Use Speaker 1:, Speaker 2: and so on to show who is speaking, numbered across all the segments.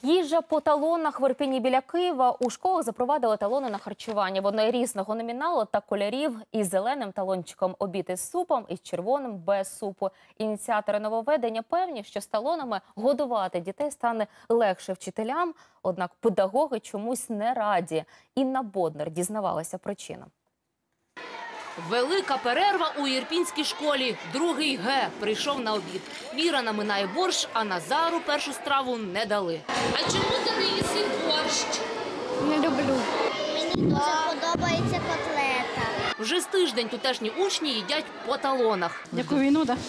Speaker 1: Їжа по талонах в Ірпені біля Києва. У школах запровадили талони на харчування. Вони різного номіналу та кольорів. Із зеленим талончиком обід із супом, із червоним без супу. Ініціатори нововведення певні, що з талонами годувати дітей стане легше вчителям. Однак педагоги чомусь не раді. Інна Боднар дізнавалася причину.
Speaker 2: Велика перерва у ірпінській школі. Другий Г прийшов на обід. Віра наминає борщ, а Назару першу страву не дали. А чому ти не їси борщ?
Speaker 3: Не люблю.
Speaker 4: Мені дуже подобається котлета.
Speaker 2: Вже з тиждень тутешні учні їдять по талонах.
Speaker 3: Яку війну, так?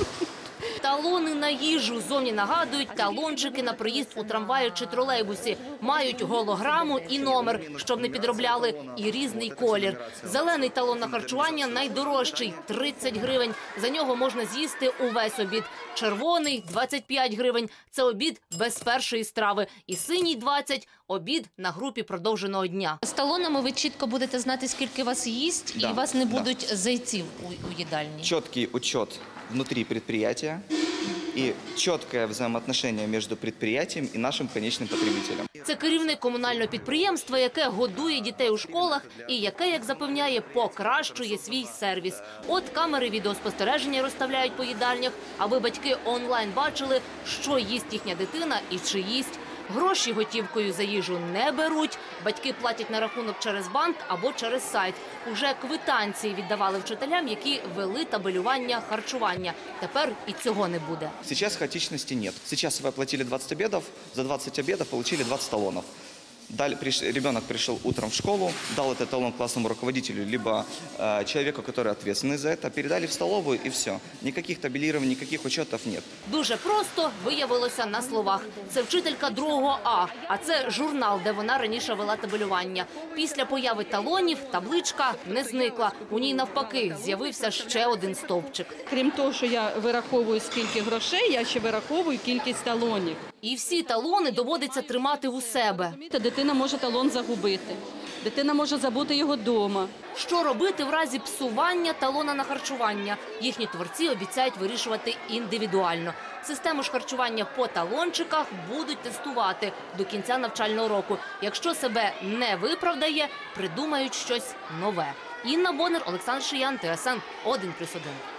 Speaker 2: Талони на їжу зовні нагадують талончики на проїзд у трамваї чи тролейбусі. Мають голограму і номер, щоб не підробляли, і різний колір. Зелений талон на харчування найдорожчий – 30 гривень. За нього можна з'їсти увесь обід. Червоний – 25 гривень. Це обід без першої страви. І синій – 20 – обід на групі продовженого дня.
Speaker 5: З талонами ви чітко будете знати, скільки вас їсть, і у вас не будуть зайців у їдальні.
Speaker 6: Четкий учет внутри предприятия и четкое взаимоотношение между предприятием и нашим конечным потребителем.
Speaker 2: Це керівник комунального підприємства, яке годує дітей у школах і яке, як запевняє, покращує свій сервіс. От камери відеоспостереження розставляють по їдальнях, аби батьки онлайн бачили, що їсть їхня дитина і чи їсть. Гроші готівкою за їжу не беруть, батьки платять на рахунок через банк або через сайт. Уже квитанції віддавали вчителям, які вели табелювання харчування. Тепер і цього не буде.
Speaker 6: Сейчас хаотичности нет. Сейчас вы оплатили 20 обедов, за 20 обедов получили 20 талонов. Ребенок пришел утром в школу, дал этот талон классному руководителю, либо человеку, который ответственный за это, передали в столовую и все. Никаких табелирований, никаких учетов нет.
Speaker 2: Дуже просто виявилося на словах. Це вчителька 2 А це журнал, де вона раніше вела табелювання. Після появи талонів табличка не зникла. У ній навпаки з'явився ще один стовпчик.
Speaker 7: Крім того, що я вираховую скільки грошей, я ще вираховую кількість талонів.
Speaker 2: І всі талони доводиться тримати у себе.
Speaker 7: Дитина може талон загубити, дитина може забути його вдома.
Speaker 2: Що робити в разі псування талона на харчування? Їхні творці обіцяють вирішувати індивідуально. Систему ж харчування по талончиках будуть тестувати до кінця навчального року. Якщо себе не виправдає, придумають щось нове. Інна Боднар, Олександр Шиян, ТСН 1+1.